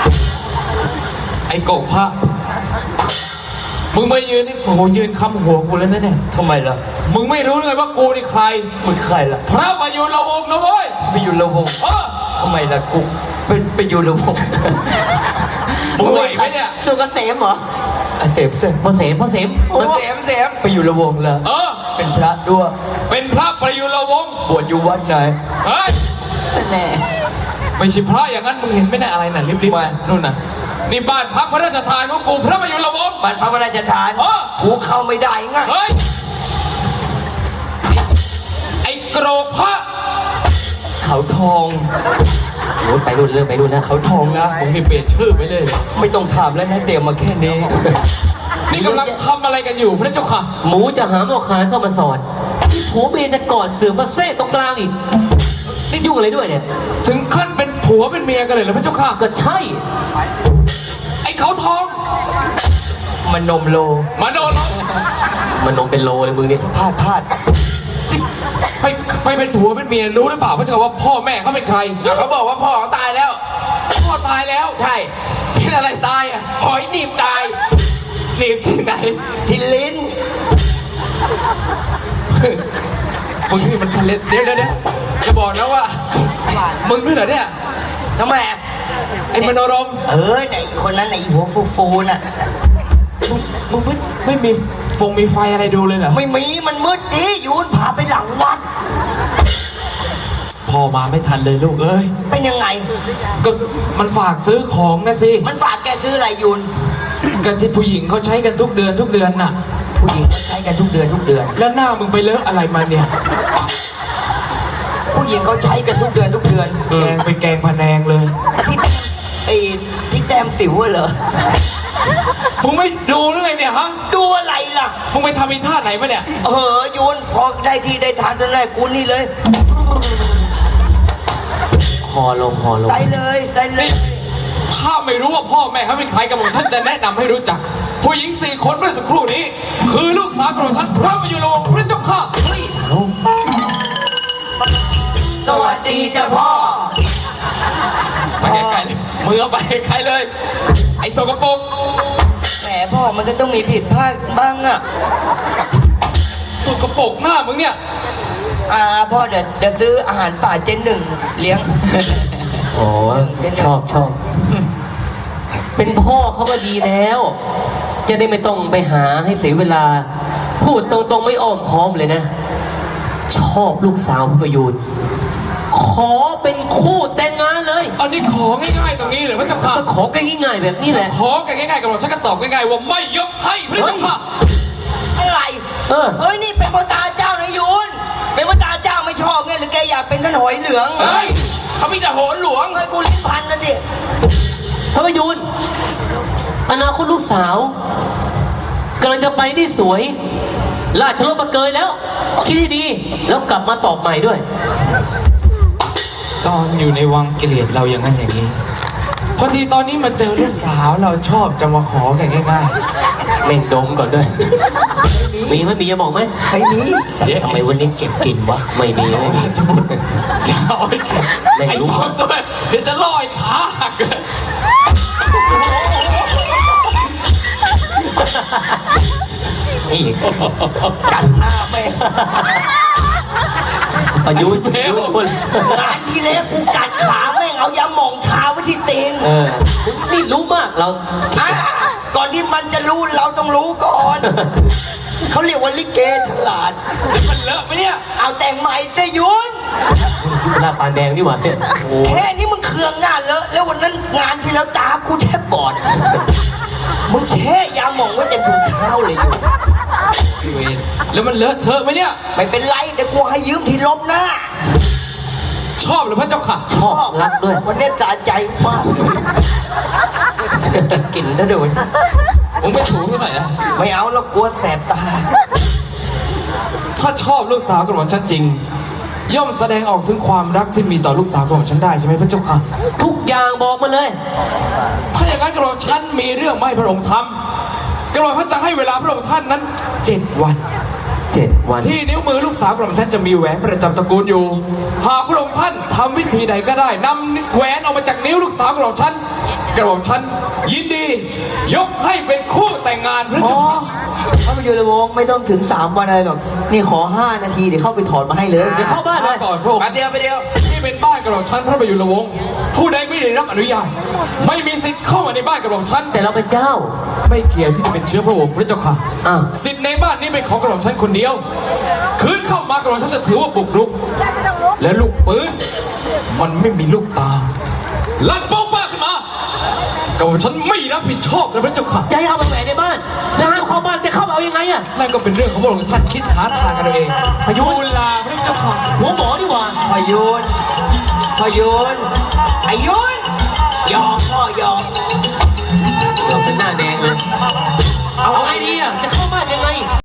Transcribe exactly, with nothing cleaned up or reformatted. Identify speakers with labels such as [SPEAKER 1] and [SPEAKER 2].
[SPEAKER 1] ไอ้โกกพระมึงมายืนนี่โอ้โหยืนคำหัวกูแล้วนะเนี่ย
[SPEAKER 2] ทำไมล่ะ
[SPEAKER 1] มึงไม่รู้เลยว่ากูนี่ใคร
[SPEAKER 2] มึงใครล่ะ
[SPEAKER 1] พระประยุรวงศ์นะเว้ย
[SPEAKER 2] ไปอยู่ละวง
[SPEAKER 1] เออ
[SPEAKER 2] ทำไมล่ะกูเป็นไปอยู่ละวง
[SPEAKER 1] มึงไหวไหมเนี่ย
[SPEAKER 3] สุกเกษมเหรอ
[SPEAKER 2] อาเสพเสพ
[SPEAKER 3] พ่อเสมพ่อเสม
[SPEAKER 2] มันเสพเสพไปอยู่ละวงแล้ว
[SPEAKER 1] เออ
[SPEAKER 2] เป็นพระด้วย
[SPEAKER 1] เป็นพระประยุรวงศ์
[SPEAKER 2] บวชอยู่วัดไหน
[SPEAKER 1] เฮ้ย
[SPEAKER 2] แน่
[SPEAKER 1] ไม่ใช่พระอย่างนั้นมึงเห็นไหมเนี่ยอะไรน่ะรีบๆ
[SPEAKER 2] ไม่
[SPEAKER 1] นู่นน่ะนี่บ้านพักพระราชทานของกูพระประยุรวงศ์
[SPEAKER 2] บ้านพระพระราชทาน
[SPEAKER 1] เออ
[SPEAKER 2] กูเข้าไม่ได้ไง
[SPEAKER 1] เฮ้ยไอ้โกรกพระ
[SPEAKER 2] เขาทอง
[SPEAKER 3] รุ่นไปรุ่นเริ่มไปรุ่นนะ
[SPEAKER 2] เขาทองนะ
[SPEAKER 1] มึงนี่เปลี่ยนชื่อไปเลย
[SPEAKER 2] ไม่ต้องถามแล้วนะเดี๋ยวมาแค่นี้
[SPEAKER 1] นี่กำลังทำอะไรกันอยู่พระเจ้าค่ะ
[SPEAKER 3] หมูจะหาหมอคายเข้ามาสอนที่ผัวเมียจะกอดเสือมาเซ่ตรงกลางอีกนี่ยุ่งอะไรด้วยเนี่ย
[SPEAKER 1] ถึงขั้นเป็นผัวเป็นเมียกันเลยเหรอพระเจ้าค่ะ
[SPEAKER 3] ก็ใช่
[SPEAKER 1] ไอ้เขาทอง
[SPEAKER 2] มันนมโล
[SPEAKER 1] มาโดนเรา
[SPEAKER 3] มันนมเป็นโลเลยมึงนี่
[SPEAKER 2] พลาดพลาด
[SPEAKER 1] ไปไปเป็นผัวเป็นเมียรู้หรือเปล่าพระเจ้าค่ะว่าพ่อแม่เขาเป็นใครเขาบอกว่าพ่อตายแล้ว พ่อตายแล้วใช่เป็นอะไรตายอ่ะหอยหนีบตายหนีบที่ไหน
[SPEAKER 2] ที่ลิ้น
[SPEAKER 1] มึงนี่มันทันเล็ดเดี๋ยวเดี๋ยวเดี๋ยวจะบอกนะว่ามึงด้วยเหรอเนี่ย
[SPEAKER 2] ทำไม
[SPEAKER 1] ไอ้มโนรม
[SPEAKER 2] เออไหนคนนั้นไหนหัวฟูฟูๆน่ะ
[SPEAKER 1] มึงไม่ไม่มีฟงมีไฟอะไรดูเลยเหรอ
[SPEAKER 2] ไม่มีมันมืดดิยูนพาไปหลังวัด
[SPEAKER 1] พ่อมาไม่ทันเลยลูกเอ้ย
[SPEAKER 2] เป็นยังไง
[SPEAKER 1] ก็มันฝากซื้อของนะสิ
[SPEAKER 2] มันฝากแกซื้ออะไรยูน
[SPEAKER 1] กันที่ผู้หญิงเขาใช้กันทุกเดือนทุกเดือนน่ะ
[SPEAKER 2] ผู้หญิงเขาใช้กันทุกเดือนทุกเดือน
[SPEAKER 1] แล้วหน้ามึงไปเลอะอะไรมาเนี่ย
[SPEAKER 2] ผู้หญิงเขาใช้กันทุกเดือนทุกเดือน
[SPEAKER 1] แกงไปแกงพะแนงเลย
[SPEAKER 2] ที่ไอ้ที่แต้มสิวอะเหรอ
[SPEAKER 1] มึงไม่ดูหรือไงเนี่ยฮะ
[SPEAKER 2] ดูอะไรล่ะ
[SPEAKER 1] มึงไปทำอีท่าไหนมาเนี่ย
[SPEAKER 2] เออยูนพอได้ที่ได้ทางเท่านั้นกูนี่เลย
[SPEAKER 3] หอลงหอลง
[SPEAKER 2] ใส่เลยใส่เลย
[SPEAKER 1] นี่ถ้าไม่รู้ว่าพ่อแม่เขาเป็นใครกับผมฉันจะแนะนำให้รู้จัก ผู้หญิงสี่คนเมื่อสักครู่นี้ คือลูกสาวของฉันพระประยุรวงศ์พระเจ้าค่ะเฮ้ย
[SPEAKER 2] สวัสดีจ้ะพ่อ
[SPEAKER 1] ไปไกลๆเลยมึงเอาไปไกลเลย ไอ้สกปรก
[SPEAKER 2] แหมพ่อมันก็ต้องมีผิดพลาดบ้างอะ
[SPEAKER 1] สกปรกหน้ามึงเนี่ย
[SPEAKER 2] อ่าพ่อเดี๋ยวเดี๋ยวซื้ออาหารป่าเจนหนึ่งเลี้ยง
[SPEAKER 3] โอ้ชอบชอบ เป็นพ่อเขาก็ดีแล้ว จะได้ไม่ต้องไปหาให้เสียเวลา พูดตรงๆไม่อ้อมค้อมเลยนะ ชอบลูกสาวพระประยูนขอเป็นคู่แต่งงานเลย
[SPEAKER 1] อันนี้ของง่ายๆตรงนี้เลยพระเจ้าค่ะ
[SPEAKER 3] ก็ขอกันง่ายๆแบบนี้แหละ
[SPEAKER 1] ขอกันง่ายๆกับเราฉันก็ตอบง่ายๆว่าไม่ยกให้พระเจ้าค่ะ
[SPEAKER 2] อะไร
[SPEAKER 3] เออ
[SPEAKER 2] เฮ้ยนี่เป็นพระตาเจ้านะยูนเป็นพระตาเจ้าไม่ชอบไงหรือแกอยากเป็นท่านหอยเหลือง
[SPEAKER 1] เฮ้ยเขามีแต่โหนหลวง
[SPEAKER 2] เฮ้ยกูลิ้นพันนะดิ
[SPEAKER 3] พระประยูนอนาคตลูกสาวกำลังจะไปได้สวย ราชรถมาเกยแล้ว คิดให้ดี แล้วกลับมาตอบใหม่ด้วย
[SPEAKER 1] ตอนอยู่ในวังเกลียดเราอย่างนั้นอย่างนี้พอทีตอนนี้มาเจอลูกสาวเราชอบจะมาขอกันง่าย
[SPEAKER 3] เม่งดมก่อนด้วย มีไหมมีจะบอกไหม
[SPEAKER 2] ไม่มี
[SPEAKER 3] ทำไมวันนี้เก็บกินวะ ไม่มีไม่มี
[SPEAKER 1] ๆจะเอาไอ้
[SPEAKER 3] ไม่
[SPEAKER 1] ไอ้
[SPEAKER 3] รู้
[SPEAKER 1] สองตัวเดี๋ยวจะล่อไอ้ขาหักเลย
[SPEAKER 3] นี่
[SPEAKER 2] กัดหน้าแม่ง
[SPEAKER 3] ประยุทธ์ประยุทธ์คน
[SPEAKER 2] งานที่แล้วกูกัดขาแม่งเอายาหม่องทาไว้ที่ตีน
[SPEAKER 3] เออนี่รู้มากเรา
[SPEAKER 2] อ่ะก่อนที่มันจะรู้เราต้องรู้ก่อน เขาเรียกว่าลิเกฉลาด
[SPEAKER 1] มันเลอะไหมเนี่ย
[SPEAKER 2] เอาแต่งใหม่เสยยุน
[SPEAKER 3] หน้าปานแดงนี่หว่าเนี่ยโอ้
[SPEAKER 2] แค่นี้มึงเคืองหน้าเลอะแล้ววันนั้นงานที่แล้วตากูแทบบอด มึงแช่ยาหม่องไว้เต็มถุงเท้าเลยอยู่
[SPEAKER 1] พี่เวนแล้วมันเลอะเทอะไหมเนี่ย
[SPEAKER 2] ไม่เป็นไรเดี๋ยวกูให้ยืมที่ลบหน้า
[SPEAKER 1] ชอบหรือพระเจ้าค่ะ
[SPEAKER 3] ชอบรักด้วย
[SPEAKER 2] วันนี้สะใจมากกลิ่นนะเดี๋ยว
[SPEAKER 1] มึงไปถูที่ไหนนะ
[SPEAKER 2] ไม่เอาแล้วกลัวแสบตา
[SPEAKER 1] ถ้าชอบลูกสาวของฉันจริง ย่อมแสดงออกถึงความรักที่มีต่อลูกสาวของฉันได้ใช่ไหมพระเจ้าค่ะ
[SPEAKER 3] ทุกอย่างบอกมาเลย
[SPEAKER 1] ถ้าอย่างนั้นกระผมฉันมีเรื่องไม่ให้พระองค์ทำกระผมท่านจะให้เวลาพระองค์ท่านนั้นเจ็ดวัน
[SPEAKER 3] เจ็ดวัน
[SPEAKER 1] ที่นิ้วมือลูกสาวกระผมท่านจะมีแหวนประจำตระกูลอยู่ หากพระองค์ท่านทำวิธีใดก็ได้นำแหวนออกมาจากนิ้วลูกสาวกระผมท่านกระหม่อมฉันยินดี ยกให้เป็นคู่แต่งงานพระ
[SPEAKER 4] อ๋อ
[SPEAKER 1] เจ้าค่ะ
[SPEAKER 4] ถ้ามาอยู่ในวงไม่ต้องถึงสามวันอะไรหรอกนี่ขอห้านาทีเดี๋ยวเข้าไปถอดมาให้เลย
[SPEAKER 3] เดี๋ยวเข้าบ้านเลย
[SPEAKER 1] ก่อนพระองค์
[SPEAKER 2] มาเดียวไปเดียว
[SPEAKER 1] นี่เป็นบ้านกระหม่อมฉันพระประยุรวงศ์ผู้ใดไม่ได้รับอนุญาตไม่มีสิทธิ์เข้ามาในบ้านกระหม่อมฉัน
[SPEAKER 3] แต่เราเป็นเจ้า
[SPEAKER 1] ไม่เกี่ยวที่จะเป็นเชื้อพระวงศ์พระเจ้าค่ะ
[SPEAKER 3] อ้าว
[SPEAKER 1] สิทธิ์ในบ้านนี้เป็นของกระหม่อมฉันคนเดียว คืนเข้ามากระหม่อมฉันจะถือว่าบุกรุก และลูกปืนมันไม่มีลูกตาลั่นโป๊กป้าขึ้นมากระหม่อมฉันไม่รับผิดชอบนะพระเจ้าค่ะ
[SPEAKER 3] จะให้เอามาแหวนในบ้านแล้วจะเข้าบ้านจะเข้าเอายังไงอะ
[SPEAKER 1] นั่นก็เป็นเรื่องของพระองค์ท่านคิดหาทางกันเอาเองพยุลาพระเจ้าค่ะ
[SPEAKER 3] หัวหมอดีกว่า
[SPEAKER 2] พยุนพยุนพยุนยอมพ่อยอม
[SPEAKER 3] เราเป็นหน้าแดงเลย เอาไงดีอะจะเข้า